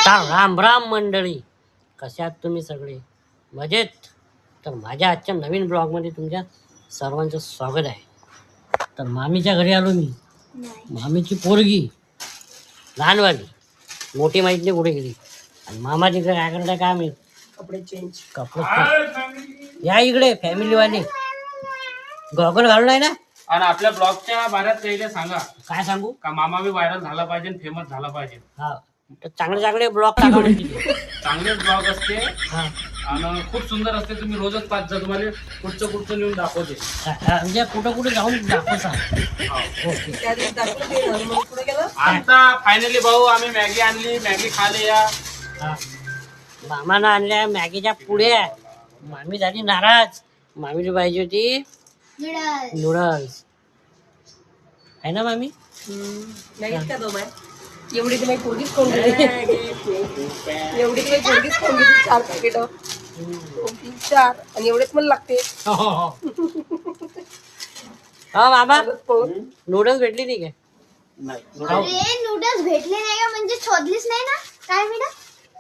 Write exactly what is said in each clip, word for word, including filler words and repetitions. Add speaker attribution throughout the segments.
Speaker 1: तर राम राम मंडळी, कशा आहात तुम्ही सगळे? मजेत? तर माझ्या आजच्या नवीन ब्लॉगमध्ये तुमच्या सर्वांचं स्वागत आहे. तर मामीच्या घरी आलो मी. मामीची पोरगी लहानवाली, मोठी माहित नाही कुठे गेली. आणि मामा तिकडे काय करताय काय माहित.
Speaker 2: कपडे चेंज
Speaker 1: कपडे या इकडे फॅमिलीवाले गॉगल घालून आहे ना.
Speaker 3: आणि आपल्या ब्लॉगच्या बाऱ्यात पहिले सांगा
Speaker 1: काय सांगू
Speaker 3: का मामा बी व्हायरल झाला पाहिजे, फेमस झाला पाहिजे.
Speaker 1: हा, तर चांगले चांगले ब्लॉग टाका म्हणजे.
Speaker 3: चांगलेच ब्लॉग असते
Speaker 1: हा,
Speaker 3: आणि खूप सुंदर असते. तुम्ही रोजच पाच जा, तुम्हाला कुठचं कुठचं नेऊन दाखवते.
Speaker 1: म्हणजे कुठं कुठं जाऊन दाखवता. ओके.
Speaker 2: त्या दिवशी दाखवून ते हनुमान पुढे गेलं.
Speaker 3: आता फायनली भाऊ आम्ही मॅगी आणली, मॅगी खाली या.
Speaker 1: हा. मामानं आणल्या मॅगीच्या पुड्या. मामी झाली नाराज. मामीला पाहिजे होती नूडल्स. आहे ना मामी?
Speaker 2: नाही का दोन आहे एवढी तुम्ही पोरगीच खाऊन गेली. एवढी तुम्ही पोरगीच खाऊन गेली. चार पॅकेट दोन तीन चार आणि एवढेच मला लागते.
Speaker 1: हो हो हो. हा मामा, नूडल्स भेटली नाही काय?
Speaker 3: नाही
Speaker 4: अरे नूडल्स भेटले नाही का? म्हणजे शोधलीच नाही ना काय मॅडम?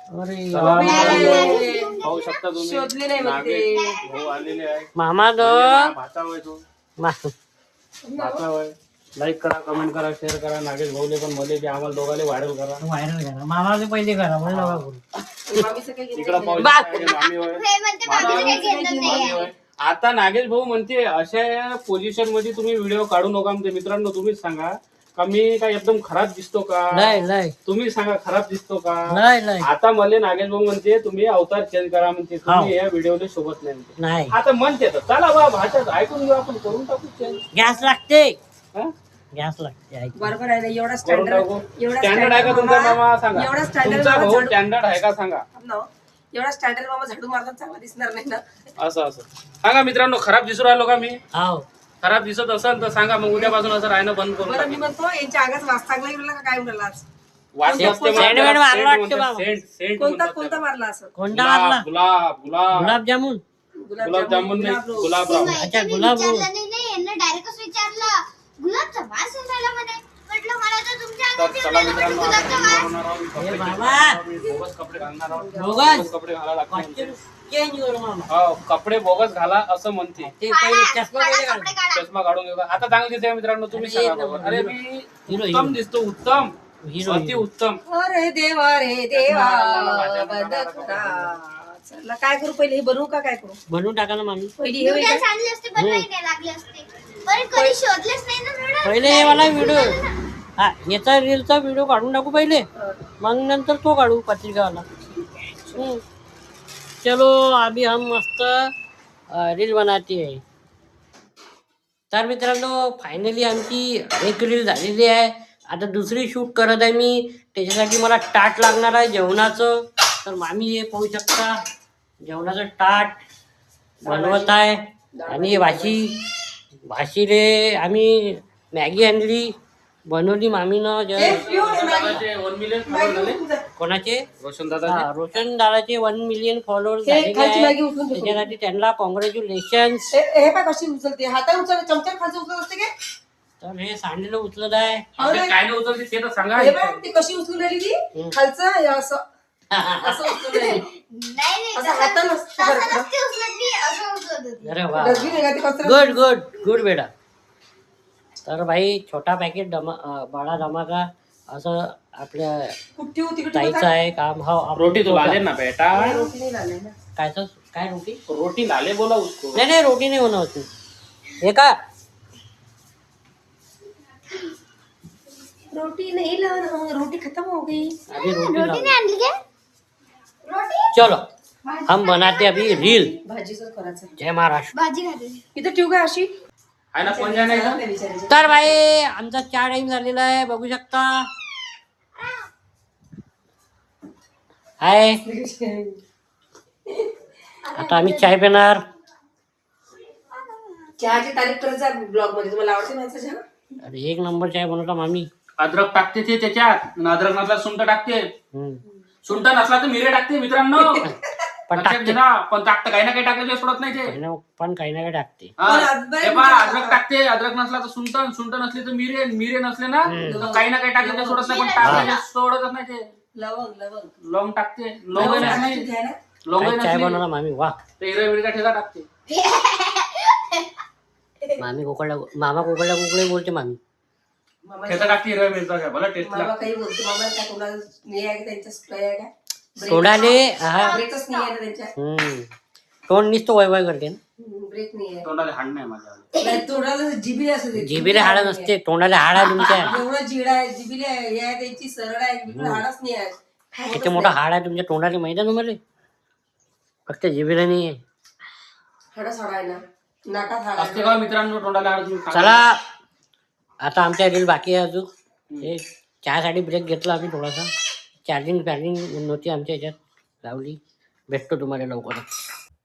Speaker 1: अरे
Speaker 3: पाहू शकता तुम्ही,
Speaker 2: शोधले नाही म्हणते.
Speaker 3: नागेश भाऊ आलेले आहे.
Speaker 1: मामा द
Speaker 3: भाचा होय तो,
Speaker 1: मा-
Speaker 3: भाचा होय. लाईक करा, कमेंट करा, शेअर करा. नागेश भाऊले पण मध्ये बी आम्हाला दोघाले व्हायरल करा.
Speaker 1: व्हायरल करा. मामाचे पहिले करा म्हणून नका करू.
Speaker 2: मामीचं काही घेतलं
Speaker 3: इकडं पाहू
Speaker 1: बा-
Speaker 3: शकता, हे मामी होय.
Speaker 4: हे म्हणते माझं काही घेतलं
Speaker 3: मामी
Speaker 4: नाही.
Speaker 3: होय. आता नागेश भाऊ म्हणते अशा पोझिशन मध्ये तुम्ही व्हिडिओ काढू नका. म्हणजे मित्रांनो तुम्हीच सांगा का मी काय एकदम खराब दिसतो का?
Speaker 1: नाही नाही
Speaker 3: तुम्ही सांगा खराब दिसतो का?
Speaker 1: नाही नाही
Speaker 3: आता मला नागेश भाऊ म्हणते तुम्ही अवतार चेंज करा म्हणते,
Speaker 1: हो.
Speaker 3: तुम्ही या व्हिडिओला सोबत नाही म्हणते.
Speaker 1: नाही.
Speaker 3: आता म्हणते तर चला बा भाषा ऐकून घेऊ, आपण करून टाकू चेंज.
Speaker 1: गॅस लागते.
Speaker 3: हा?
Speaker 1: गॅस लागते. ऐक.
Speaker 2: बरोबर आहे ना. एवढा
Speaker 3: करून
Speaker 2: स्टँडर्ड
Speaker 3: टाकू.
Speaker 2: एवढा
Speaker 3: स्टँडर्ड आहे का तुमचा मामा? सांगा.
Speaker 2: एवढा स्टँडर्ड
Speaker 3: तुमचा
Speaker 2: मामा
Speaker 3: भाऊ
Speaker 2: झाडू-
Speaker 3: स्टँडर्ड आहे का सांगा.
Speaker 2: ना, एवढा स्टँडर्ड मामा झाडू मारतात चांगला दिसणार नाही ना.
Speaker 3: असं असं सांगा मित्रांनो. खराब दिसू राहिलो का मी?
Speaker 1: हाव.
Speaker 3: खराब दिसत असेल तर सांगा, मग उद्यापासून असं राहणं बंद करून
Speaker 2: बरं मी
Speaker 3: टाकेन.
Speaker 2: म्हणतो यांच्या अंगात वास चांगला येऊ लागला का काय म्हणला आज?
Speaker 3: वास
Speaker 1: सेंट-
Speaker 3: असते
Speaker 1: सेंट
Speaker 3: म्हणतात,
Speaker 1: वेड मारला
Speaker 3: सेंट
Speaker 1: वाटतं
Speaker 3: म्हणतात,
Speaker 1: बाबा.
Speaker 3: सेंट- सेंट
Speaker 2: कोणता
Speaker 3: म्हणतात
Speaker 2: कोणता
Speaker 3: त्याला.
Speaker 2: मारला असं?
Speaker 1: कोणता मारला?
Speaker 3: गुलाब गुलाब
Speaker 1: गुलाबजामुन.
Speaker 3: गुलाबजामुन नाही,
Speaker 2: गुलाब-
Speaker 3: गुलाबराव.
Speaker 1: अच्छा,
Speaker 4: मैत्रिणी
Speaker 1: गुलाब.
Speaker 4: विचारलं नाही नाही यांना डायरेक्टच विचारलं गुलाबचा वास येऊन राहिला म्हणे. म्हटलं मला तर तुमच्या
Speaker 3: तर
Speaker 4: अंगात
Speaker 3: चला
Speaker 4: येऊन राहिला
Speaker 3: मित्रांनो,
Speaker 4: म्हणे
Speaker 3: आता
Speaker 4: गुलाबचा
Speaker 3: आपण
Speaker 4: वास.
Speaker 3: बनवणार आहोत. कपडे
Speaker 1: हे
Speaker 3: change
Speaker 1: बाबा.
Speaker 3: करणार आहोत. बोगस कपडे घालणार आहोत.
Speaker 1: बोगस?
Speaker 3: बोगस कपडे घालायला लागतात म्हणते.
Speaker 1: चेंज करू मामा.
Speaker 3: हो, कपडे बोगस घाला असं म्हणते.
Speaker 1: ते पहिले
Speaker 4: काढा,
Speaker 1: चष्मा
Speaker 4: काढा
Speaker 1: वगैरे
Speaker 4: कपडे
Speaker 1: काढ.
Speaker 4: काढा.
Speaker 3: चष्मा काढून घेऊ का? आता चांगली दिसते मित्रांनो, तुम्ही
Speaker 1: अरे,
Speaker 3: सांगा बाबा. अरे मी
Speaker 1: हिरो,
Speaker 3: उत्तम
Speaker 1: हिरो.
Speaker 3: दिसतो, उत्तम
Speaker 1: हिरो,
Speaker 3: अति
Speaker 1: हिरो.
Speaker 3: उत्तम.
Speaker 2: अरे देवा रे देवा
Speaker 3: माझ्या
Speaker 2: बंद
Speaker 3: मनाला
Speaker 2: करा. चला काय करू पहिले हे बनवू का काय करू?
Speaker 1: बनवून टाका ना मामी.
Speaker 2: पहिली हे होईल
Speaker 4: नूडल्स
Speaker 2: का?
Speaker 4: आणले असते पण नाही द्यायला लागले असते. पण कधी शोधलेच नाही ना नूडल्स.
Speaker 1: पहिले हे वाला व्हिडिओ, हा याचा रीलचा व्हिडिओ काढून टाकू पहिले, मग नंतर तो काढू पत्रिकावाला. हम्म. चलो अभी हम मस्त रील बनाते आहे. तर मित्रांनो फायनली आमची एक रील झालेली आहे. आता दुसरी शूट करत आहे मी. त्याच्यासाठी मला ताट लागणार आहे जेवणाचं. तर मामी हे पाहू शकता जेवणाचं ताट बनवत आहे. आणि भाशी भाशीले आम्ही मॅगी आणली, बनवली मामीनं.
Speaker 2: ए,
Speaker 1: जे
Speaker 2: पिऊ रे मॅगी.
Speaker 3: दादाचे वन मिलियन
Speaker 2: मॅगी
Speaker 3: फॉलोअर झाले.
Speaker 2: उचलून जा.
Speaker 1: कोणाचे?
Speaker 3: रोशन
Speaker 1: हा,
Speaker 3: दादा
Speaker 1: रोशन दादाचे वन मिलियन फॉलोअर्स
Speaker 2: हे
Speaker 1: झालेले
Speaker 2: खालची
Speaker 1: आहे.
Speaker 2: मॅगी उचलून ठेव.
Speaker 1: त्याच्यासाठी त्यांना कॉंग्रॅच्युलेशन.
Speaker 2: हे हे काय कशी उचलते? हाताने उचल, चमच्याने खालचं उचलत असते काय?
Speaker 1: तर हे सांडलेलं उचलत आहे.
Speaker 2: हो ना?
Speaker 3: काय नाही उचलते ते तर सांगा.
Speaker 2: हे बघ, ती कशी उचलून राहिली ती?
Speaker 1: हम्म.
Speaker 2: खालचं हे असं असं उचलून राहिली.
Speaker 4: नाही नाही
Speaker 2: असं हातानं
Speaker 4: तसं
Speaker 2: असतं
Speaker 4: तसं
Speaker 2: बरं का?
Speaker 4: नसते उचलत मी, असं उचलत होती.
Speaker 1: अरे वा,
Speaker 2: डस्टबिन आहे का ते कचरा?
Speaker 1: गुड गुड गुड बेटा. तर भाई छोटा पॅकेट धमा अं, बडा धमाका असं आपल्या
Speaker 2: कुठे होती कुठे
Speaker 1: ताईचं आहे काम. हो आप-
Speaker 3: रोटी तो लाले ना बेटा,
Speaker 2: रोटी नाही लावली ना.
Speaker 1: कायचं काय रोटी?
Speaker 3: रोटी लाले बोला उसको.
Speaker 1: नाही नाही रोटी नाही होणार होती. हे का
Speaker 2: रोटी नहीं लाना, रोटी खत्म हो गई.
Speaker 1: अभी रोटी
Speaker 4: रोटी
Speaker 1: लाओ.
Speaker 4: नाही आणली काय? रोटी
Speaker 1: चलो हम बनाते अभी रील.
Speaker 2: भाजीचं करायचं.
Speaker 1: जय महाराष्ट्र.
Speaker 4: भाजी खाते.
Speaker 2: इथं ठेवू काय अशी?
Speaker 3: आहे ना पंजा नाही का?
Speaker 2: विचारायचं.
Speaker 1: तर भाई आमचा चहा टाइम झालेला आहे, बघू शकता. हाय, आता आम्ही चाय पिणार.
Speaker 2: चहाची तारीफ करत जा ब्लॉग मध्ये. तुम्हाला आवडते माझा चहा?
Speaker 1: अरे एक नंबर चाय बनवता मामी.
Speaker 3: अद्रक टाकते ते त्याच्यात. आणि अद्रक नसला सुंठ टाकते.
Speaker 1: हम्म.
Speaker 3: सुंठ नसला तर मिरे टाकते मित्रांनो.
Speaker 1: पण
Speaker 3: लक्षात
Speaker 1: टाकते.
Speaker 3: घे ना. पण टाकतं काही ना काही टाकल्याशिवाय सोडत नाही ते.
Speaker 1: काही ना- पण काही ना काही टाकते.
Speaker 3: हा.
Speaker 2: पण अद्रक-
Speaker 3: हे पहा, अद्रक टाकते. अद्रक नसला तर सुंठ, सुंठ नसली तर मिरे, मिरे नसले ना तर काही ना काही टाकल्याशिवाय सोडत नाही. पण टाकल्याशिवाय सोडतच नाही ते.
Speaker 2: लवंग लवंग
Speaker 3: लवंग टाकते लवंग नाही
Speaker 2: टाकायची आहे ना?
Speaker 3: लवंग
Speaker 1: काय चाय
Speaker 3: नसली
Speaker 1: बनवला मामी वा
Speaker 3: तर हिरव्या मिरच्या ठेचा टाकते.
Speaker 1: मामी कोकडा मामा कोकडा कोकडे बोलते मामी.
Speaker 2: मामा
Speaker 3: ठेचा टाकते हिरव्या मिरच्या काय भला टेस्ट
Speaker 2: मामा
Speaker 3: लागते.
Speaker 2: काही बोलतो मामा काय कोणाला नाही आहे का त्यांच्या स्प्रे आहे का
Speaker 1: सोडाले हा
Speaker 2: ब्रेकच नाही आहे ना त्यांच्या
Speaker 1: हम्म तोंड निसतो वय वय करते ना
Speaker 2: ब्रेक नाही आहे
Speaker 3: तोंडाला हाड नाही माझ्या.
Speaker 2: नाही, तोंडाला जिबी असते
Speaker 1: जिबीला हाड नसते तोंडाला हाड आहे तुमच्या.
Speaker 2: एवढं जिड आहे जिबीला हे आहे त्यांची सरळ आहे इकडे हाडच नाही आहे
Speaker 1: किती मोठा हाड आहे तुमच्या तोंडाला माहिती आहे तुम्हाला. फक्त जिबीला नाही आहे.
Speaker 2: हाडच हाड आहे ना नाकात हाड
Speaker 3: असते
Speaker 2: आहे
Speaker 3: का मित्रांनो तोंडाला हाड तुम्ही खा.
Speaker 1: चला आता आमच्या रील बाकी आहे अजून. हे चहासाठी ब्रेक घेतला आम्ही थोडासा. चार्जिंग चार्जिंग नव्हती आमच्या ह्याच्यात लावली. भेटतो तुम्हाला लवकरच.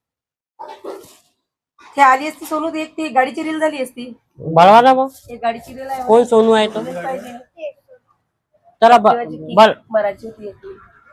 Speaker 2: ते आली असती सोनू एक ती गाडीची रील झाली असती
Speaker 1: बळवा ना मग
Speaker 2: एक गाडीची रील आहे
Speaker 1: कोण सोनू आहे तो.
Speaker 2: पाहिजे.
Speaker 1: चला ब- बल
Speaker 2: मराठी होती एक ती.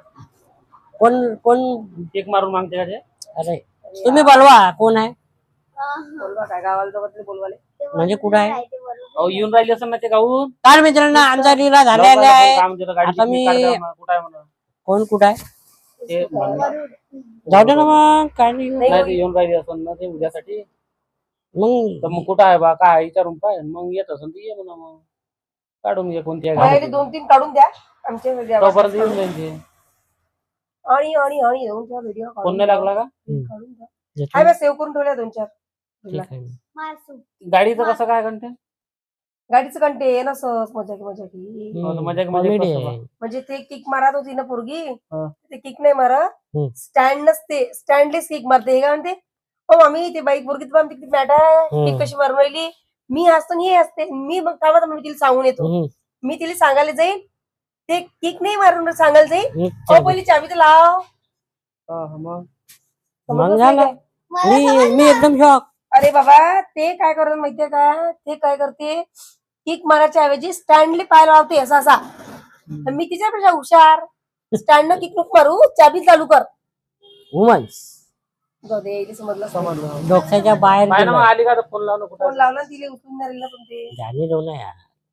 Speaker 1: कोण कोण
Speaker 3: केक मारून मागते का ते?
Speaker 1: अरे तुम्ही बोलवा कोण आहे
Speaker 2: बोलवा काय गावाला जवळ बोलवाले
Speaker 1: म्हणजे कुठं आहे.
Speaker 3: अहो येऊन राहिले असं ना ते गाऊन.
Speaker 1: तर मित्रांनो आमचा रीला झालेला आहे.
Speaker 3: काम देतं, गाडीची
Speaker 1: आता मी-
Speaker 3: नीट काढ द्या, कुठं आहे म्हणा.
Speaker 1: कोण कुठं आहे
Speaker 3: ते
Speaker 1: जाऊ दे ना मग काय नाही.
Speaker 3: नाही ते येऊन राहिले असं ना ते उद्यासाठी.
Speaker 1: मग
Speaker 3: तर मग कुठं आहे बा काय विचारून पाय मग येत असेल तर ये म्हणा मग काढून घे कोणती आहे
Speaker 2: बाहेर
Speaker 3: गाडी.
Speaker 2: दोन तीन काढून द्या आमच्या द्या.
Speaker 3: तोपर्यंत येऊन जाईल ते.
Speaker 2: आणि आणि आणि दोन चार व्हिडिओ
Speaker 3: फोन नाही लागला का
Speaker 2: काढून द्या
Speaker 1: येतो.
Speaker 2: हाय बस सेव्ह करून ठेवल्या दोन चार
Speaker 1: ठीक आहे.
Speaker 4: मारसू
Speaker 3: गाडीचं कसं काय कंटेंट
Speaker 2: गाडीचं कंटे ना सहज मजा की मजा की
Speaker 1: हम्म,
Speaker 3: मजा की मजा
Speaker 1: comedy
Speaker 3: कसं
Speaker 1: आहे.
Speaker 2: म्हणजे ते किक मारत होती ना पोरगी
Speaker 3: हा.
Speaker 2: ते किक नाही मारत
Speaker 1: हम्म.
Speaker 2: स्टँड नसते स्टँडलेस किक मारते हे काय म्हणते हो आम्ही ते बाईक पोरगी पण किती मॅट आहे
Speaker 1: हम्म.
Speaker 2: किक कशी मारून राहिली मी असतो आणि हे असते मी मग काय म्हणतो, मी तिला सांगून येतो
Speaker 1: हम्म,
Speaker 2: मी तिला सांगायला जाईल ते किक नाही मारून सांगायला जाईल
Speaker 1: हम्म,
Speaker 2: हो पहिली चाबी तर लाव
Speaker 3: हा, हा, मग
Speaker 1: मग
Speaker 2: समजलंच
Speaker 1: झालं.
Speaker 2: नाही काय?
Speaker 4: मला
Speaker 1: मी
Speaker 4: समजलं.
Speaker 1: मी एकदम शॉक.
Speaker 2: अरे बाबा ते काय करतात माहितीये का ते काय करते किक मारायच्या ऐवजी स्टँडले पाय लावते असा असा तर मी तिच्यापेक्षा हुशार स्टँड न किक नको मारू चाबी चालू कर
Speaker 1: वुमन्स
Speaker 2: जाऊ दे यायला समजलं
Speaker 3: समजलं
Speaker 1: डोक्याच्या बाहेर
Speaker 3: पाय ना मग
Speaker 1: गेलं.
Speaker 3: आली का तर फोन लावणं कुठं
Speaker 2: फोन लावला तिले उचलून नाही राहिला पण ते
Speaker 1: जाणे जाऊ ना यार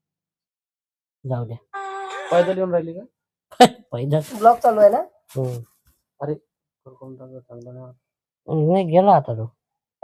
Speaker 1: जाऊ द्या
Speaker 3: पैदल येऊन राहिली का
Speaker 1: पैदल
Speaker 2: ब्लॉग चालू आहे ना
Speaker 1: हम्म.
Speaker 3: कोण टाकलं, चांगलं नाही.
Speaker 1: नाही गेला आता तो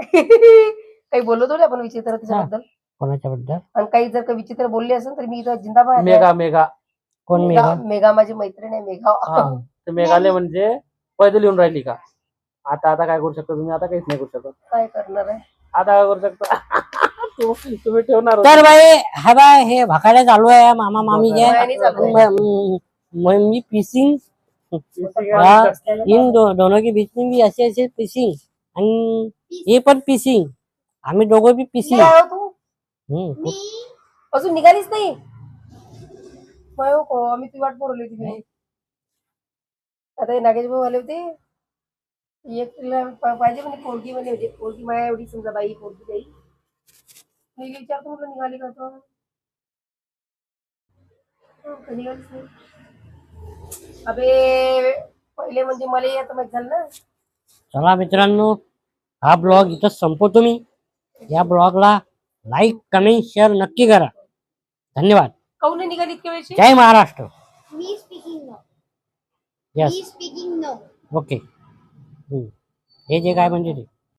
Speaker 2: काही बोललो थोडी आपण विचित्र त्याच्याबद्दल
Speaker 1: कोणाच्या बद्दल
Speaker 2: आणि काही जर का विचित्र बोलले असेल तर मी इथं जिंदाबाद आहे.
Speaker 3: मेघा मेघा
Speaker 1: कोण
Speaker 2: मेघा
Speaker 1: मेघा
Speaker 2: मेघा माझी मैत्रीण आहे मेघा
Speaker 3: हा ते मेघालय म्हणजे पैदल येऊन राहिली का आता आता काय करू शकता तुम्ही आता काहीच नाही करू शकत
Speaker 2: काय करणार आहे
Speaker 3: आता काय करू शकता तू- तुम्ही ठेवणार होते.
Speaker 1: तर बाई हा बाय हे भाकाड्या चालू आहे मामा मामीचे
Speaker 2: नाही चालू आहे.
Speaker 1: म- म- मी पिसिंग
Speaker 3: किती
Speaker 1: हाँ,
Speaker 3: काय
Speaker 1: इन दो, दोनों के बीच में भी ऐसे ऐसे पिसिंग आणि हे पण पिसिंग आम्ही दोघं बी पिसिंग
Speaker 2: काय हो तू
Speaker 1: हम्म.
Speaker 4: मी
Speaker 2: अजून निघालीच नाही माय हो को आम्ही ती वाट बोलवली होती मी आता हे नागेश भाऊ आले होते एक तिला पा- पाहिजे म्हणजे पोरगी म्हणजे म्हणजे पोरगी माया एवढी समजा बाई पोरगी बाई मी विचारतो म्हटलं निघाली का तो हो, का निघालीच नाही अबे पहिले म्हणजे मला आता माहित झालं ना
Speaker 1: चला मित्रांनो हा ब्लॉग इथं संपवतो मी या ब्लॉगला लाईक कमेंट शेअर नक्की करा धन्यवाद
Speaker 2: काऊन नाही निघाली इतक्या वेळची
Speaker 1: जय महाराष्ट्र
Speaker 4: मी स्पीकिंग नो
Speaker 1: यस
Speaker 4: मी स्पीकिंग नो
Speaker 1: ओके हे जे काय म्हणजे ते